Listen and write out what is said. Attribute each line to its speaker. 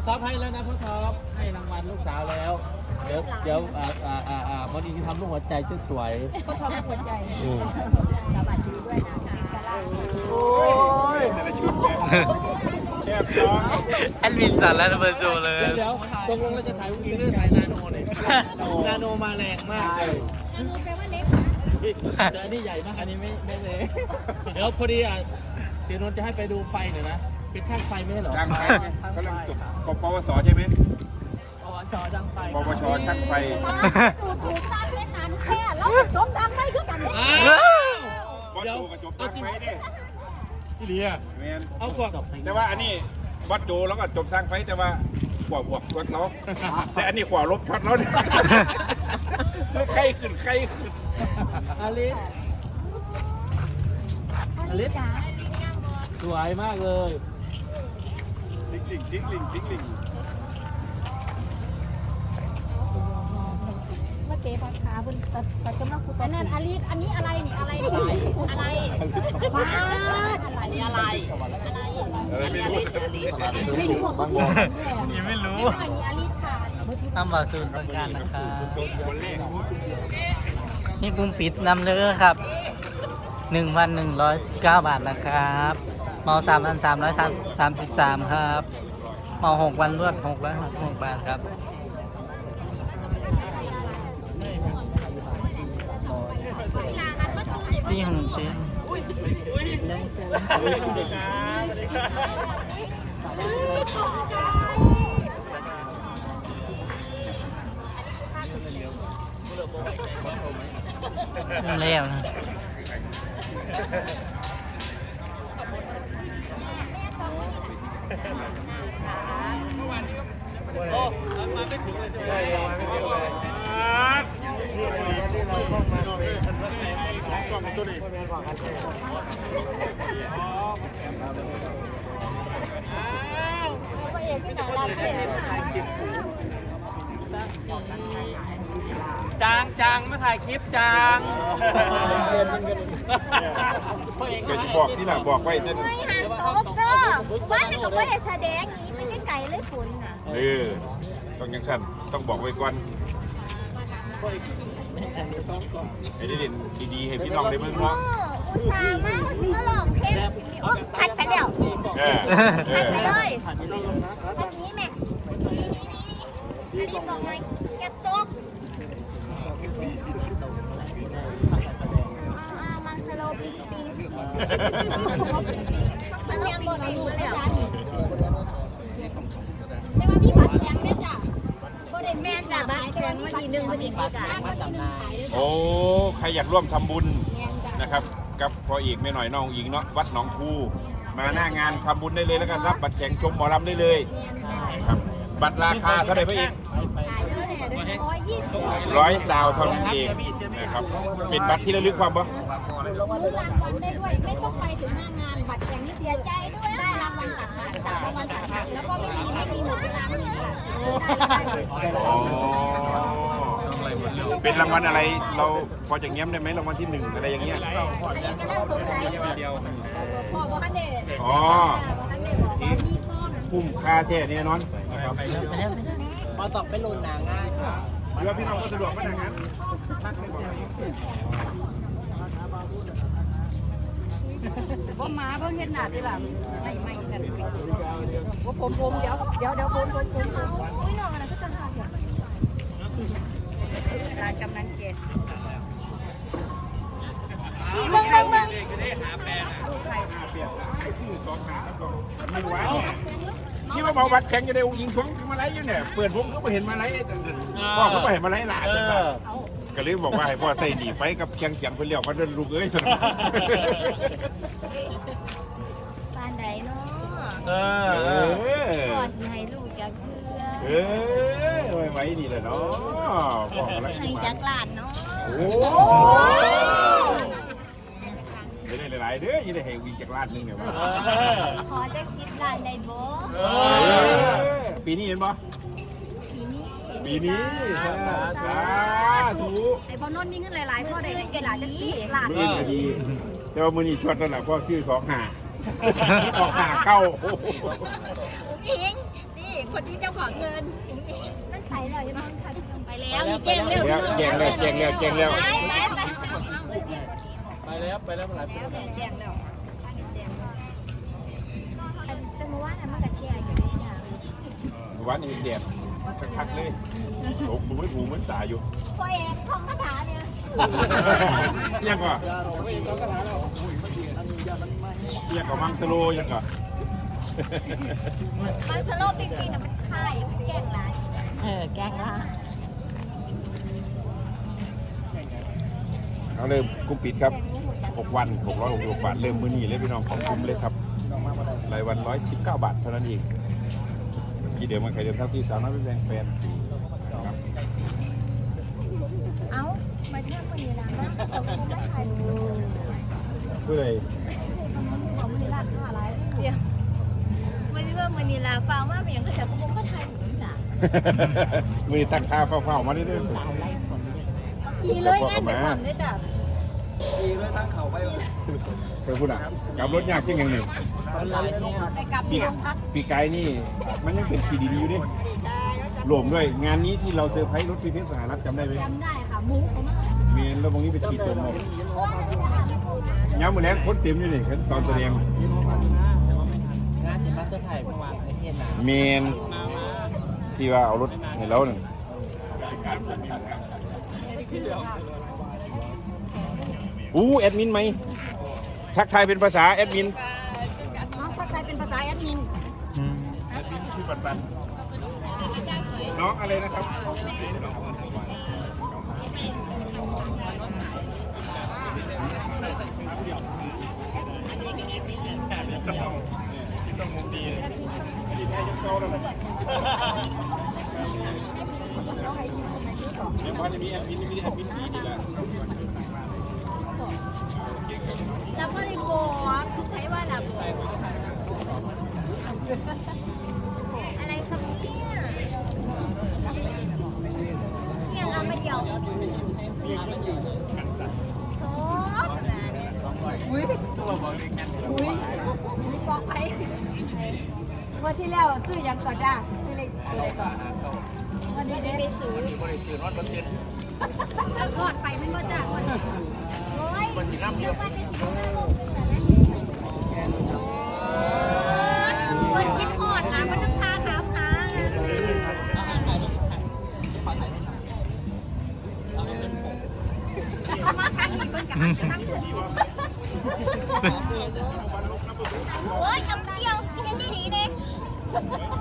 Speaker 1: ซับให้แล้วนะพ่อท็อปให้รางวัลลูกสาวแล้วเดี๋ยวพอดีที่ทำลูกหัวใจจะสวย
Speaker 2: ก็ทำหัวใจสวัสดีด้วยนะคะ
Speaker 1: โอ้ย
Speaker 3: แอบร้อง
Speaker 4: แอดมินสั่นแล้วเบอร์โจเลย
Speaker 1: เดี๋ยวตกลงเราจะถ่ายอุ้งอิงหรือถ่ายนาโนเนี่ยนาโนมาแรงมากเลย
Speaker 2: นาโนแปลว่าเล็ก
Speaker 1: แต่อันนี้ใหญ่มากอันนี้ไม่เลยเดี๋ยวพอดีเสียนนท์จะให้ไปดูไฟหน่อยนะเป็นช่างไฟไม่ใช่เหรอ
Speaker 3: ช่างไฟเขาเริ่มจบปวสใช่ไหม
Speaker 1: ช่างไฟ
Speaker 3: ปวชช่างไฟ
Speaker 2: ดูถูกตั้งเล่นนานแค่แล้วจบจำไม่คือกันเลย
Speaker 3: บอสโจกับจบช่างไฟเนี่ย
Speaker 1: พี่เลีย
Speaker 3: แมน
Speaker 1: เอากว่า
Speaker 3: แต่ว่าอันนี้บอสโจแล้วก็จบช่างไฟแต่ว่าขวาบวกช็อตเราแต่อันนี้ขวาลบช็อตเราเนี่ยใครขึ้น
Speaker 1: อลิสอลิสสวยมากเลย
Speaker 3: ทิ้งลิง
Speaker 2: เมื่อกี้พักขาบนตัดกำลังคุยอันนั้นอาลีอันนี้อะไรนี่อะไรอะไรบ้าอะไรนี่อะไร
Speaker 3: อะไรไม่รู้
Speaker 4: บางวงยังไม่รู้
Speaker 2: อันนี้อาลีค่ะ
Speaker 4: ทำบาสูนประการนะครับ
Speaker 3: คนแรก
Speaker 4: นี่ปุ่มปิดนำเลยครับ 1,119 บาทนะครับเมา3,333ครับเมา6 วันรวด666 บาทครับสี่หงเจนแล้วนะ
Speaker 1: โอ้มาไม่ถึงเลยใช่ไหมมาไม่ถึงเลย
Speaker 2: ตัวเองที่ไหนเราเนี่ย
Speaker 1: จางมาถ่ายคลิปจางพ่อเอก
Speaker 3: เกิดบอกที่หลังบอกไว้เต้น
Speaker 2: ไม่ห่างโต๊ะเกอร์ว่าแต่ก็ไม่ได้แสดงนี้ไม่ได้ไก่เลยฝนน่ะ
Speaker 3: ต้องยังสั้นต้องบอกไว้ก่อนให้ได้เด่นดีๆให้พี่น้องได้เบิ่งเนาะ
Speaker 2: อุตส่าห์มากว่าสิมาลองเพลงโอ้พัดไปแล้วพัดไปเลยพัดนี้แม่นี่อันนี้บอกหน่อยแกตกมังสโลปิ๊งปิ๊งมันยังบ่ได้อยู่แล้วแต่ว่าพี่บัตรยังเนี่ยจ้ะบ่ได้แม่นจ้ะบัตรแข็งวันที่1วันที่4
Speaker 3: โอ้ใครอยากร่วมทำบุญนะครับกับพ่อเอกแม่หน่อยน้องอิงเนาะวัดหนองคูมาหน้างานทำบุญได้เลยแล้วกันรับบัตรแข่งชมหมอลำได้เลยครับบัตรราคาเท่าไหร่พ่อเอก100 ซาวเท่านั้นเองนะครับเป็นบัตรที่ระลึกความบ่
Speaker 2: ลุ้นรางวัลได้ด้วยไม่ต้องไปถึงหน้างานบัตรอย่างนี้เสียใจด้วยได้รางวัลตัดรางวัลตัดแล้วก็ไม่มีหมดเวลาไม่มีสละสิทธิ์ได้
Speaker 3: อ๋อเป็นรางวัลอะไรเราพอจะเงี้ยมได้ไหมรางวัลที่1อะไรอย่างเงี้ย
Speaker 2: กำลังสงสัยอยู่พ่อบอกกันเด็ด
Speaker 3: อ๋อ
Speaker 2: ที่มีพ่อ
Speaker 3: คุ้มค่าแท้เนี่ยนอนนะครับ
Speaker 4: มาตอบไปลุนหนาง่ายค่ะ
Speaker 3: เรือพี่น้องก็สะดวกมากนะครับ
Speaker 2: ว่ามาเพิ่งเห็นหน้าที่หลังไม่กันว่าผมเดี๋ยวผมอุ้ยน้องอะไรก็จังหวะเนี่ยร้านกำนันเกศเบิ่ง
Speaker 3: ที่ว่าบอกบัตรแข่งจะได้ยิงท้องมาไล่อยู่เนี่ยเปิดวงก็ไม่เห็นมาไล่พ่อเขาไม่เห็นมาไล่หลานก็เลยบอกว่าให้พ่อใส่หนีไฟกับเคียงเสียงเพื่อนเลี้ยวมาเดินลูกเอ้ย
Speaker 2: ปานใดเนาะ
Speaker 1: อ
Speaker 2: พ่อสิให้ลูกจักเทื่อ
Speaker 3: ไว้นี่แหละเนาะพ่อมาไล่
Speaker 2: ให้จักหลานเนาะ
Speaker 3: โอ้ไม่ได้หลายเด้อยังได้ให้วิ่งจากลาดนึงเนี่ยว่า
Speaker 2: ขอจัก10 ล้านได้บ่
Speaker 3: ปีนี้เห็นปะ ปีนี้สาธุ
Speaker 2: ไอ้พ่อนนท์มีเงินหลายๆพ่อได้เงินหลายจัก10 ล้าน
Speaker 3: มือก็ดี แต่ว่ามือนี้ชวดนั่นแหละพ่อชื่อ2 หาออกหาเข้า
Speaker 2: อิงนี่คนที่เจ้าของเงินนั่นใส่เลยยังไปแล้วมีแกงเร็ว
Speaker 3: แจงแล้ว
Speaker 2: ไป
Speaker 1: ไปแล้วหลายปี
Speaker 2: แกงแล้วแต่เมื่อวานมันกระเทียมอยู่นี่นะ
Speaker 3: วันนี้แดดคักๆเลยโอ้โหหูเหมือนตาอยู่
Speaker 2: พ่อเองท่องคาถาเนี่ย
Speaker 3: ยังก่อนยังก่อนมังสโลยังก่อน
Speaker 2: มันสโลปจริงๆนะมันค่ายมันแกงร้านแกงร้าน
Speaker 3: เอาเริ่มกุ้งปิดครับ6 วัน666 บาทเริ่มมื้อนี้เลยพี่น้องของคุ้มเลยครับรายวัน119 บาทเท่านั้นเองกี่เดิมมันใครเดิมเท่าที่สาวน้อยเป็นแรงแฟนครับ
Speaker 2: เอ้ามาเที่ยวคนนี้นะเราคงไม่ถ่ายรูป
Speaker 3: เพื่ออะไร
Speaker 2: ของมันนี่ราคาอะไรเดี๋ยวมันนี่ว่ามันนี่ราฟังว่ามันยังกระแสพวกก็ถ่ายอยู่นี่นะ
Speaker 3: มือตั้งค่าเฝ้าๆมาเรื่อย
Speaker 2: ขี่เลยงานไปความด้วยจ้ะ
Speaker 3: ๆไปพูดอ่ะกลับรถยากจริงอย่างหนึ่ง
Speaker 2: ไปกลับที่โรงพัก
Speaker 3: ปีไกนี่มันยังเป็นขีดินอยู่ดิรวมด้วยงานนี้ที่เราเซอร์ไพรส์รถพีเพชรสหรัฐจำได้ไหม
Speaker 2: จำได้ค่ะหมูเขามาก
Speaker 3: เมนแล้วบางนี้เป็นขีดตัวหมดย้ำมือแรงคนเต็มอยู่นี่ตอนแสดง
Speaker 1: งานที่มาเซอร์ไพรส์เมื่อวานไอ้เห็นนะ
Speaker 3: เมนที่ว่าเอารถให้เราหนึ่งแอดมินไหมทักทายเป็นภาษาแอดมิน
Speaker 2: น้องเข้าใจเป็นภาษาแอดมิน
Speaker 3: ชื่อปันน้องอะไรนะครับต้องมุมดีอดีตแม่ยังโตแล้วนะยังพอจะมีแอดมินดีนี่แหละ
Speaker 2: แล้วก็รีโก้ใช้ว่าแบบอะไรครับเนี่ยเอามาเดียวโซ่อุ้ยบอกไป
Speaker 5: วันที่แล้วซื้อยังก่อนจ้าซื้อเล็กก่อนวันนี้ได้ไปซื้อ
Speaker 2: ทอดไปไม่ว่าจะคนโอ้ยเดี๋ยวว่าจะคนคิดหอดละมันต้องพาถามหามาครั้งนี้คนกับตั้งหัวโอ้ยเอาเดียวแค่นี้ดีเด้